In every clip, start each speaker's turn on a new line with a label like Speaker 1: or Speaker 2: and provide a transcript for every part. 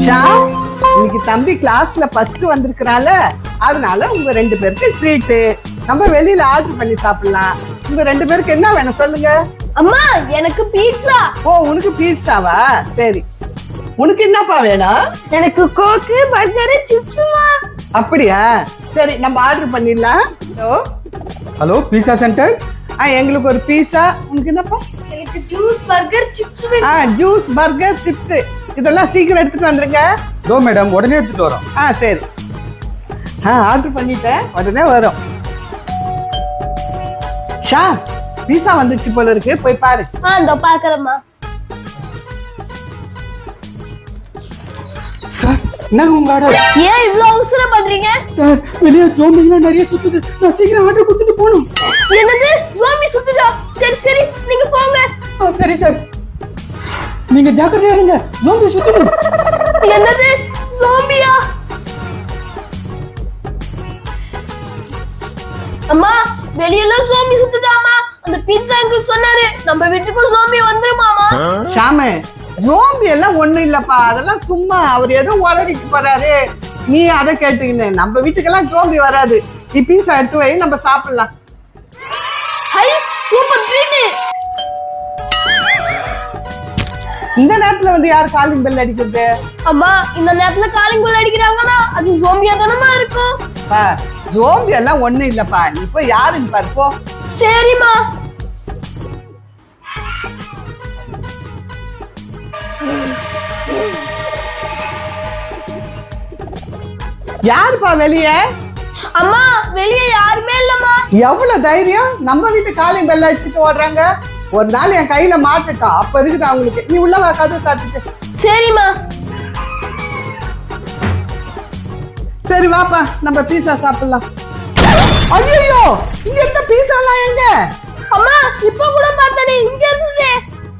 Speaker 1: ஷா, இன்னைக்கு தம்பி கிளாஸ்ல ஃபர்ஸ்ட் வந்திருக்கறால, அதனால உங்க ரெண்டு பேருக்கு ட்ரீட். நம்ம வெளியில ஆர்டர் பண்ணி சாப்பிடலாம். உங்க ரெண்டு பேருக்கு என்ன வேணும் சொல்லுங்க.
Speaker 2: அம்மா எனக்கு பீட்சா.
Speaker 1: ஓ, உனக்கு பீட்சாவா? சரி, உனக்கு என்னப்பா வேணும்?
Speaker 2: எனக்கு கோக்கு, பர்கர், சிப்ஸ்மா.
Speaker 1: அப்படியா? சரி, நம்ம ஆர்டர் பண்ணிடலாம்.
Speaker 3: Hello, pizza centre.
Speaker 1: எங்களுக்கு ஒரு பீட்சா. உனக்கு என்னப்பா?
Speaker 2: எனக்கு ஜூஸ், பர்கர், சிப்ஸ் வேணும்.
Speaker 1: ஜூஸ், பர்கர், சிப்ஸ் இதெல்லாம் சீக்கிரம் எடுத்துட்டு வந்துருங்க.
Speaker 3: தோ மேடம், உடனே எடுத்துட்டு வரோம்.
Speaker 1: சரி. ஆர்டர் பண்ணிட்டேன், உடனே வரும். ஷா, பீஸா வந்துச்சு போல இருக்கு, போய் பாரு.
Speaker 2: இதோ பாக்குறேம்மா.
Speaker 3: சார், என்னங்க உங்க ஆர்டர்?
Speaker 2: ஏன் இவ்ளோ அவசரம் பண்றீங்க?
Speaker 3: சார், வெளியே ஜோம்பிலாம் நிறைய சுத்துது. நான் சீக்கிரம் ஆர்டர் கொடுத்துட்டு போகணும்.
Speaker 2: என்னது, ஜோம்பி சுத்துதா? சரி சரி, நீங்க போங்க.
Speaker 3: சரி சார், நீங்க ஜாக்கிரதையா இருங்க. ஜோம்பி சுத்துது.
Speaker 2: என்னது, ஜோம்பியா? அம்மா, வெளியில ஜோம்பி சுத்துதாமா. அந்த பீட்சா அங்கிள் சொன்னாரு நம்ம வீட்டுக்கு ஜோம்பி வந்துருமாமா.
Speaker 1: ஷாமு, ஜோம்பி எல்லாம் ஒண்ணு இல்லப்பா, அதெல்லாம் சும்மா அவர் ஏதோ உளறிட்டு போறாரு. நீ அதை கேட்டுக்கின்னு நம்ம வீட்டுக்கெல்லாம் ஜோம்பி வராது. நீ பீஸா எடுத்து வை, நம்ம சாப்பிடலாம்.
Speaker 2: Hi, super treat.
Speaker 1: இந்த நேரத்துல வந்து யார் காலிங் பெல் அடிக்கிறது?
Speaker 2: அம்மா, இந்த நேரத்துல காலிங் பெல் அடிக்கிறாங்கன்னா அது ஜோம்பியா தானமா இருக்கும்.
Speaker 1: ஜோம்பி எல்லாம் ஒண்ணு இல்லப்பா, நீ போய் யாருன்னு பாரு போ.
Speaker 2: சரிம்மா.
Speaker 1: யாருப்பா வெளியே?
Speaker 2: அம்மா, வெளியே யாருமே இல்லம்மா.
Speaker 1: எவ்வளவு தைரியம், நம்ம வீட்டு காலிங் பெல் அடிச்சுட்டு ஓடுறாங்க. ஒரு நாள் என் கையில மாட்டுட்டோம், அப்ப இருக்குது அவங்களுக்கு. நீ உள்ளவா, கதவு சாத்திட்டு.
Speaker 2: சரிம்மா.
Speaker 1: சரி வாப்பா, நம்ம பீஸா சாப்பிடலாம். ஐயோ, இங்க இருந்த பீஸா எல்லாம் எங்க?
Speaker 2: அம்மா, இப்ப கூட பார்த்தனே, இங்க இருந்தே.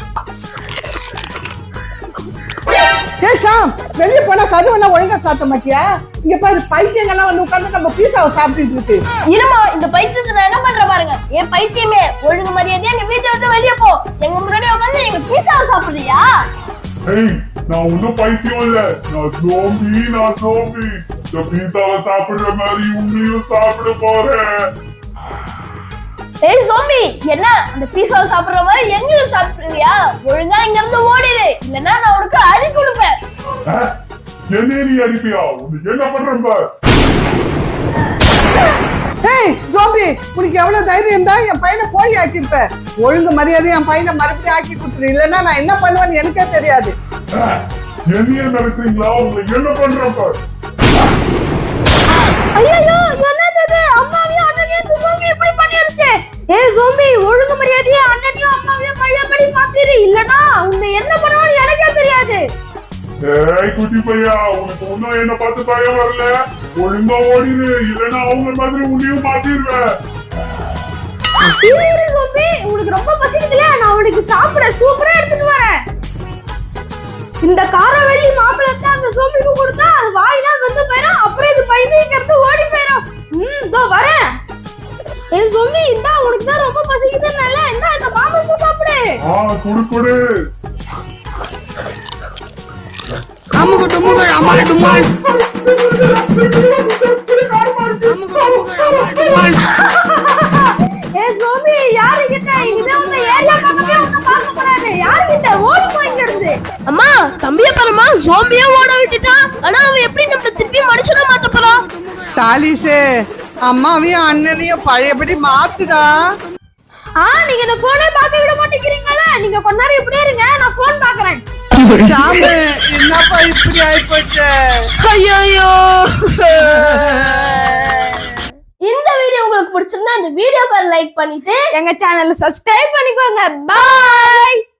Speaker 1: ஷாம், வெளியே போனா கதவெல்லாம் ஒழுங்கா சாத்த மாட்டியா? இங்க பாரு, பைத்தியங்கள்லாம் வந்து உட்கார்ந்து நம்ம பீஸாவை சாப்பிட்டு இருக்கு.
Speaker 2: இருமா, இந்த பைத்தியத்தை நான் என்ன பண்ற பாருங்க. ஏன் பைத்தியமே, ஒழுங்கு மரியாதையா எங்க வீட்டை விட்டு வெளியே போ. எங்க முன்னாடி உட்கார்ந்து எங்க பீஸாவை சாப்பிடுறியா?
Speaker 4: ஏய், நான் ஒன்னும் பைத்தியம் இல்ல. நான் சோம்பி. இந்த பீஸாவை சாப்பிடுற மாதிரி உங்களையும் சாப்பிட போறேன்.
Speaker 2: ஏய் சோம்பி, என்ன அந்த பீஸாவை சாப்பிடுற மாதிரி எங்கேயும் சாப்பிடுறியா? ஒழுங்கா இங்க இருந்து ஓடிடு, இல்லன்னா நான் உனக்கு அடி கொடுப்பேன்.
Speaker 4: என்ன நீ அடிப்பியா? உனக்கு என்ன பண்றேன் பார்.
Speaker 1: ஏய் ஜோம்பி, உனக்கு எவ்வளவு தைரியம் இருந்தா என் பையனை கோழி ஆக்கிருப்ப. ஒழுங்கு மரியாதை என் பையனை மறுபடியும் ஆக்கி கொடுத்துரு, இல்லன்னா நான் என்ன பண்ணுவேன்னு எனக்கே தெரியாது.
Speaker 4: என்னைய நடத்துறீங்களா? உங்களுக்கு என்ன பண்றேன் பார்.
Speaker 2: ஐயோ, என்னது, அம்மாவையும் அண்ணனையும் ஜோம்பி இப்படி பண்ணிருச்சு. ஏய் ஜோம்பி, ஒழுங்கு மரியாதையா அண்ணனையும் அம்மாவையும் பழையபடி மாத்திரு, இல்லனா உன்னை என்ன பண்ணுவான்னு எனக்கே தெரியாது.
Speaker 4: ஏய் குட்டி பையா, உனக்கு ஒன்னும் என்ன பார்த்து பயம் வரல. ஒழுங்கா ஓடிடு, இல்லன்னா அவங்க மாதிரி உன்னையும் மாத்திடுவேன்.
Speaker 2: ஜோம்பி, உனக்கு ரொம்ப பசிக்குதுல, நான் உனக்கு சாப்பிட சூப்பரா எடுத்துட்டு வரேன். இந்த காரவெளி மாப்பிளத்தை அந்த ஜோம்பிக்கு கொடுத்தா அது வாயினா வந்து போயிடும். அப்புறம் இது பைத்தியக்கிறது ஓடி போயிடும். இதோ வரேன். ஏய் ஜோம்பி, இந்தா உனக்கு தான் ரொம்ப பசிக்குதுன்னால இந்த மாம்பழத்தை சாப்பிடு.
Speaker 4: குடு.
Speaker 2: ஏய் ஜோம்பி, யாரு கிட்ட இனிமே உங்க ஏரியா பக்கமே உன்னை பார்க்க கூடாது. யாரு கிட்ட ஓடி போயிங்க இருந்து. அம்மா, தம்பிய பாருமா, ஜோம்பியே ஓட விட்டுட்டான். ஆனா அவன் எப்படி நம்ம திருப்பி மனுஷனா மாத்த போறான்?
Speaker 1: தாலிசே, அம்மாவையும் அண்ணனையும் பழையபடி மாத்துடா.
Speaker 2: நீங்க இந்த போனே பார்க்க விட மாட்டேங்கிறீங்களா? நீங்க கொஞ்ச நேரம் இப்படியே இருங்க, நான் போன் பாக்குறேன்.
Speaker 1: ஷாமு, என்னப்பா இப்படி ஆயிப்போச்சு?
Speaker 2: ஐயோ, இந்த வீடியோ உங்களுக்கு பிடிச்சிருந்தா இந்த வீடியோக்கு லைக் பண்ணிட்டு எங்க சேனலை சப்ஸ்கிரைப் பண்ணிக்கோங்க. பாய்.